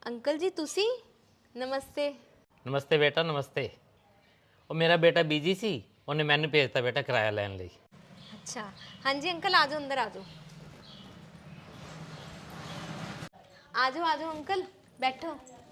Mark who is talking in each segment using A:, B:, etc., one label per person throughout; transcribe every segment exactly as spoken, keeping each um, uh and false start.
A: Uncle जी तुसी नमस्ते।
B: नमस्ते बेटा नमस्ते। ਉਹ ਮੇਰਾ ਬੇਟਾ ਬਿਜੀ ਸੀ, ਉਹਨੇ ਮੈਨੂੰ ਭੇਜਤਾ ਬੇਟਾ ਕਿਰਾਇਆ ਲੈਣ ਲਈ।
A: अच्छा हाँ जी अंकल आ जाओ, अंदर आ जाओ, आ जाओ आ जाओ अंकल बैठो।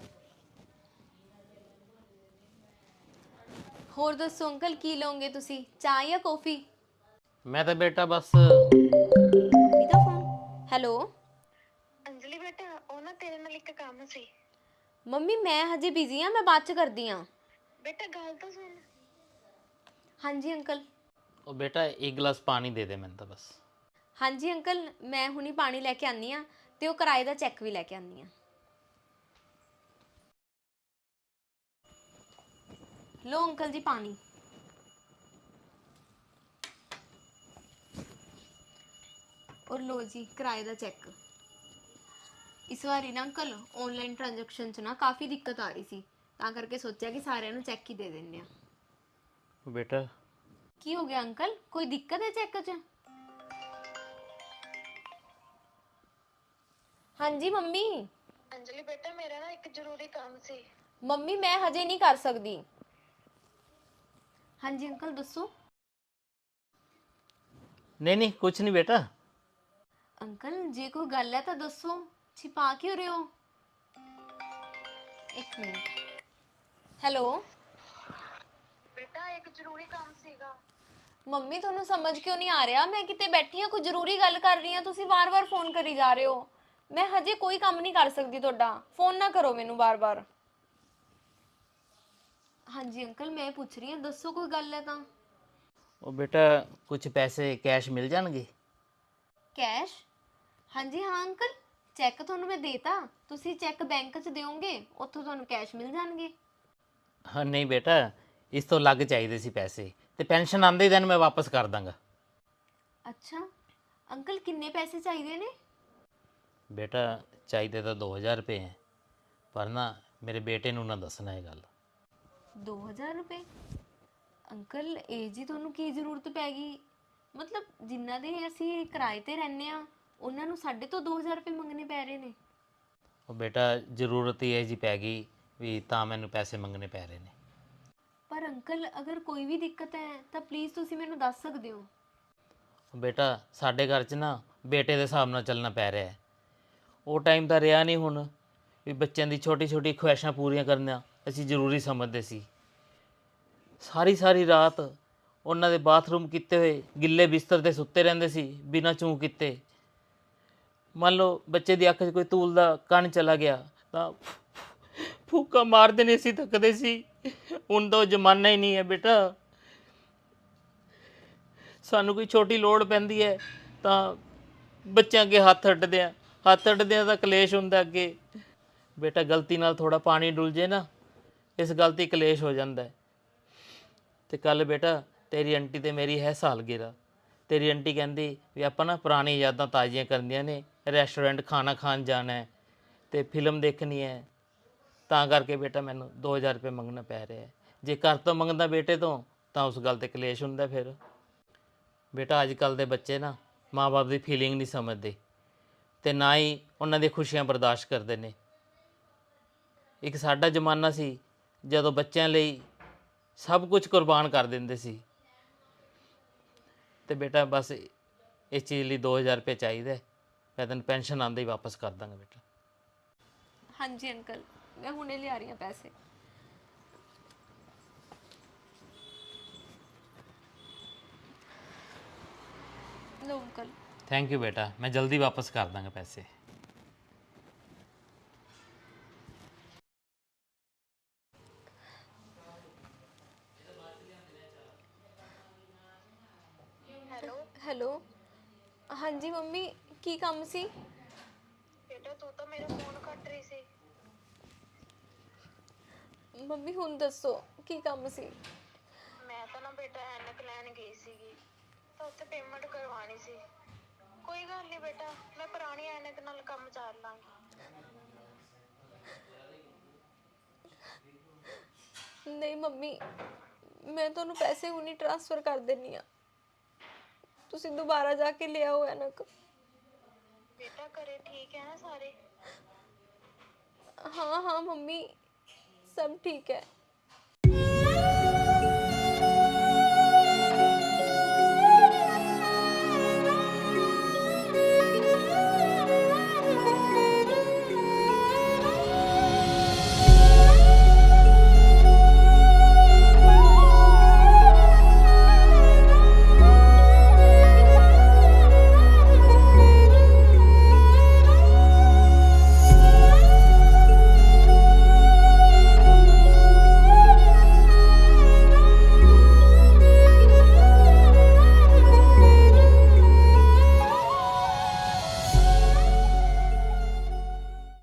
A: होर दसो अंकल की लोगे तुसी, चाह या कॉफी?
B: ਮੈਂ ਤਾਂ ਬੇਟਾ ਬਸ
A: मम्मी का फोन। हेलो
C: अंजलि बेटा ਉਹ ਨਾ ਤੇਰੇ ਨਾਲ ਇੱਕ ਕੰਮ ਸੀ।
A: मम्मी मैं हजे बिजी हाँ, मैं बाद च करदी हाँ।
C: ਬੇਟਾ ਗੱਲ ਤਾਂ ਸੁਣ।
A: हाँ जी अंकल।
B: ਉਹ ਬੇਟਾ ਇੱਕ ਗਲਾਸ ਪਾਣੀ ਦੇ ਦੇ ਮੈਨੂੰ ਤਾਂ ਬਸ।
A: हाँ जी अंकल मैं हुणी पानी लैके आनी हाँ ते वो किराए का चैक भी लैके आनी हाँ। लो अंकल जी पानी। और लो जी किराए का चैक। इस बारी ना अंकल ऑनलाइन ट्रांजैक्शन च ना काफ़ी दिक्कत आ रही सी, तां करके सोचा कि सारिਆਂ ਨੂੰ चैक ही दे देने आ।
B: ਉਹ ਬੇਟਾ
A: की हो गया अंकल, कोई दिक्कत है चेक च? हाँ जी मम्मी।
C: अंजलि बेटा मेरा ना एक जरूरी काम ਸੀ।
A: मम्मी मैं हजे नहीं कर सकती। हाँ जी अंकल दसो।
B: ਨਹੀਂ ਨਹੀਂ ਕੁਛ ਨਹੀਂ ਬੇਟਾ।
A: अंकल जे कोई गल है तो दसो, छिपा क्यों रहे हो? एक मिनट। हेलो
C: बेटा एक जरूरी काम ਸੀਗਾ।
A: ਮੰਮੀ ਤੁਹਾਨੂੰ ਸਮਝ ਕਿਉਂ ਨਹੀਂ ਆ ਰਿਹਾ? ਮੈਂ ਕਿਤੇ ਬੈਠੀ ਹਾਂ, ਕੋਈ ਜ਼ਰੂਰੀ ਗੱਲ ਕਰ ਰਹੀ ਹਾਂ, ਤੁਸੀਂ ਵਾਰ-ਵਾਰ ਫੋਨ ਕਰੀ ਜਾ ਰਹੇ ਹੋ। ਮੈਂ ਹਜੇ ਕੋਈ ਕੰਮ ਨਹੀਂ ਕਰ ਸਕਦੀ ਤੁਹਾਡਾ, ਫੋਨ ਨਾ ਕਰੋ ਮੈਨੂੰ ਵਾਰ-ਵਾਰ। ਹਾਂਜੀ ਅੰਕਲ ਮੈਂ ਪੁੱਛ ਰਹੀ ਹਾਂ, ਦੱਸੋ ਕੋਈ ਗੱਲ ਹੈ ਤਾਂ।
B: ਉਹ ਬੇਟਾ ਕੁਝ ਪੈਸੇ ਕੈਸ਼ ਮਿਲ ਜਾਣਗੇ?
A: ਕੈਸ਼? ਹਾਂਜੀ ਹਾਂ ਅੰਕਲ, ਚੈੱਕ ਤੁਹਾਨੂੰ ਮੈਂ ਦੇਤਾ, ਤੁਸੀਂ ਚੈੱਕ ਬੈਂਕ 'ਚ ਦਿਓਗੇ, ਉੱਥੋਂ ਤੁਹਾਨੂੰ ਕੈਸ਼ ਮਿਲ ਜਾਣਗੇ।
B: ਹਾਂ ਨਹੀਂ ਬੇਟਾ, ਇਸ ਤੋਂ ਲੱਗ ਚਾਹੀਦੇ ਸੀ ਪੈਸੇ, ਤੇ ਪੈਨਸ਼ਨ ਆਉਂਦੇ ਦਿਨ ਮੈਂ ਵਾਪਸ ਕਰ ਦਾਂਗਾ।
A: ਅੱਛਾ ਅੰਕਲ ਕਿੰਨੇ ਪੈਸੇ ਚਾਹੀਦੇ ਨੇ?
B: ਬੇਟਾ ਚਾਹੀਦੇ ਤਾਂ ਦੋ ਹਜ਼ਾਰ ਰੁਪਏ ਹੈ, ਪਰ ਨਾ ਮੇਰੇ ਬੇਟੇ ਨੂੰ ਨਾ ਦੱਸਣਾ ਇਹ ਗੱਲ।
A: ਦੋ ਹਜ਼ਾਰ ਰੁਪਏ? ਅੰਕਲ ਇਹ ਜੀ ਤੁਹਾਨੂੰ ਕੀ ਜ਼ਰੂਰਤ ਪੈ ਗਈ? ਮਤਲਬ ਜਿਨ੍ਹਾਂ ਦੇ ਅਸੀਂ ਕਿਰਾਏ ਤੇ ਰਹਿੰਦੇ ਆ ਉਹਨਾਂ ਨੂੰ ਸਾਡੇ ਤੋਂ ਦੋ ਹਜ਼ਾਰ ਰੁਪਏ ਮੰਗਣੇ ਪੈ ਰਹੇ ਨੇ।
B: ਉਹ ਬੇਟਾ ਜ਼ਰੂਰਤ ਹੀ ਇਹ ਜੀ ਪੈ ਗਈ ਵੀ ਤਾਂ ਮੈਨੂੰ ਪੈਸੇ ਮੰਗਣੇ ਪੈ ਰਹੇ ਨੇ।
A: ਪਰ ਅੰਕਲ ਅਗਰ ਕੋਈ ਵੀ ਦਿੱਕਤ ਹੈ ਤਾਂ ਪਲੀਜ਼ ਤੁਸੀਂ ਮੈਨੂੰ ਦੱਸ ਸਕਦੇ ਹੋ।
B: ਬੇਟਾ ਸਾਡੇ ਘਰ 'ਚ ਨਾ ਬੇਟੇ ਦੇ ਹਿਸਾਬ ਨਾਲ ਚੱਲਣਾ ਪੈ ਰਿਹਾ ਹੈ। ਉਹ ਟਾਈਮ ਤਾਂ ਰਿਹਾ ਨਹੀਂ ਹੁਣ ਵੀ ਬੱਚਿਆਂ ਦੀ ਛੋਟੀ ਛੋਟੀ ਖੁਆਇਸ਼ਾਂ ਪੂਰੀਆਂ ਕਰਨਾ ਅਸੀਂ ਜ਼ਰੂਰੀ ਸਮਝਦੇ ਸੀ। ਸਾਰੀ ਸਾਰੀ ਰਾਤ ਉਹਨਾਂ ਦੇ ਬਾਥਰੂਮ ਕੀਤੇ ਹੋਏ ਗਿੱਲੇ ਬਿਸਤਰ 'ਤੇ ਸੁੱਤੇ ਰਹਿੰਦੇ ਸੀ ਬਿਨਾਂ ਚੂੰ ਕੀਤੇ। ਮੰਨ ਲਓ ਬੱਚੇ ਦੀ ਅੱਖ 'ਚ ਕੋਈ ਧੂਲ ਦਾ ਕਣ ਚਲਾ ਗਿਆ ਤਾਂ ਫੂਕਾ ਮਾਰਦੇ ਨੇ, ਅਸੀਂ ਥੱਕਦੇ ਸੀ। ਹੁਣ ਤਾਂ ਉਹ ਜ਼ਮਾਨਾ ਹੀ ਨਹੀਂ ਹੈ ਬੇਟਾ। ਸਾਨੂੰ ਕੋਈ ਛੋਟੀ ਲੋੜ ਪੈਂਦੀ ਹੈ ਤਾਂ ਬੱਚਿਆਂ ਅੱਗੇ ਹੱਥ ਅੱਡਦੇ ਆ, ਹੱਥ ਅੱਡਦੇ ਆ ਤਾਂ ਕਲੇਸ਼ ਹੁੰਦਾ ਅੱਗੇ। ਬੇਟਾ ਗਲਤੀ ਨਾਲ ਥੋੜਾ ਪਾਣੀ ਡੁੱਲ ਜੇ ਨਾ, ਇਸ ਗੱਲ 'ਤੇ ਕਲੇਸ਼ ਹੋ ਜਾਂਦਾ ਹੈ। ਤੇ ਕੱਲ ਬੇਟਾ ਤੇਰੀ ਆਂਟੀ ਤੇ ਮੇਰੀ ਹੈ ਸਾਲਗਿਰਾ। ਤੇਰੀ ਆਂਟੀ ਕਹਿੰਦੀ ਵੀ ਆਪਾਂ ਨਾ ਪੁਰਾਣੀ ਯਾਦਾਂ ਤਾਜ਼ੀਆਂ ਕਰਨੀਆਂ ਨੇ, ਰੈਸਟੋਰੈਂਟ ਖਾਣਾ ਖਾਣ ਜਾਣਾ ਹੈ ਤੇ ਫਿਲਮ ਦੇਖਣੀ ਹੈ, ਤਾਂ ਕਰਕੇ ਬੇਟਾ ਮੈਨੂੰ ਦੋ ਹਜ਼ਾਰ ਰੁਪਏ ਮੰਗਣਾ ਪੈ ਰਿਹਾ ਹੈ। ਜੇ ਘਰ ਤੋਂ ਮੰਗਦਾ ਬੇਟੇ ਤੋਂ ਤਾਂ ਉਸ ਗੱਲ 'ਤੇ ਕਲੇਸ਼ ਹੁੰਦਾ ਫਿਰ। ਬੇਟਾ ਅੱਜ ਕੱਲ੍ਹ ਦੇ ਬੱਚੇ ਨਾ ਮਾਂ ਬਾਪ ਦੀ ਫੀਲਿੰਗ ਨਹੀਂ ਸਮਝਦੇ ਅਤੇ ਨਾ ਹੀ ਉਹਨਾਂ ਦੀਆਂ ਖੁਸ਼ੀਆਂ ਬਰਦਾਸ਼ਤ ਕਰਦੇ ਨੇ। ਇੱਕ ਸਾਡਾ ਜ਼ਮਾਨਾ ਸੀ ਜਦੋਂ ਬੱਚਿਆਂ ਲਈ ਸਭ ਕੁਝ ਕੁਰਬਾਨ ਕਰ ਦਿੰਦੇ ਸੀ। ਅਤੇ ਬੇਟਾ ਬਸ ਇਸ ਚੀਜ਼ ਲਈ ਦੋ ਹਜ਼ਾਰ ਰੁਪਏ ਚਾਹੀਦਾ, ਮੈਂ ਤੈਨੂੰ ਪੈਨਸ਼ਨ ਆਉਂਦੇ ਹੀ ਵਾਪਸ ਕਰ ਦਾਂਗਾ ਬੇਟਾ।
A: ਹਾਂਜੀ ਅੰਕਲ ਮੈਂ ਹੁਣੇ ਲਿਆ ਰਹੀ ਹਾਂ ਪੈਸੇ। ਲਓ ਅੰਕਲ।
B: ਥੈਂਕ ਯੂ ਬੇਟਾ, ਮੈਂ ਜਲਦੀ ਵਾਪਸ ਕਰ ਦਾਂਗਾ ਪੈਸੇ।
C: ਹੈਲੋ
A: ਹੈਲੋ ਹਾਂਜੀ ਮੰਮੀ ਕੀ ਕੰਮ ਸੀ?
C: ਬੇਟਾ ਤੂੰ ਤਾਂ ਮੇਰਾ ਫੋਨ ਕੱਟ ਰਹੀ ਸੀ।
A: ਮੰਮੀ ਹੁਣ ਦੱਸੋ ਕੀ ਕੰਮ ਸੀ?
C: ਮੈਂ ਤਾਂ ਨਾ ਬੇਟਾ ਐਨਕ ਲੈਣ ਗਈ ਸੀਗੀ ਤਾਂ ਉੱਥੇ ਪੇਮੈਂਟ ਕਰਵਾਉਣੀ ਸੀ। ਕੋਈ ਗੱਲ ਨਹੀਂ ਬੇਟਾ, ਮੈਂ ਪੁਰਾਣੀ ਐਨਕ ਨਾਲ ਕੰਮ ਚਾਲ ਲਾਂਗੀ।
A: ਨਹੀਂ ਮੰਮੀ ਮੈਂ ਤੁਹਾਨੂੰ ਪੈਸੇ ਹੁਣੀ ਟ੍ਰਾਂਸਫਰ ਕਰ ਦਿੰਨੀ ਆ, ਤੁਸੀਂ ਦੁਬਾਰਾ ਜਾ ਕੇ ਲਿਆਓ ਐਨਕ।
C: ਬੇਟਾ ਘਰੇ ਠੀਕ ਹੈ ਨਾ ਸਾਰੇ?
A: ਹਾਂ ਮੰਮੀ ਸਭ ਠੀਕ ਹੈ।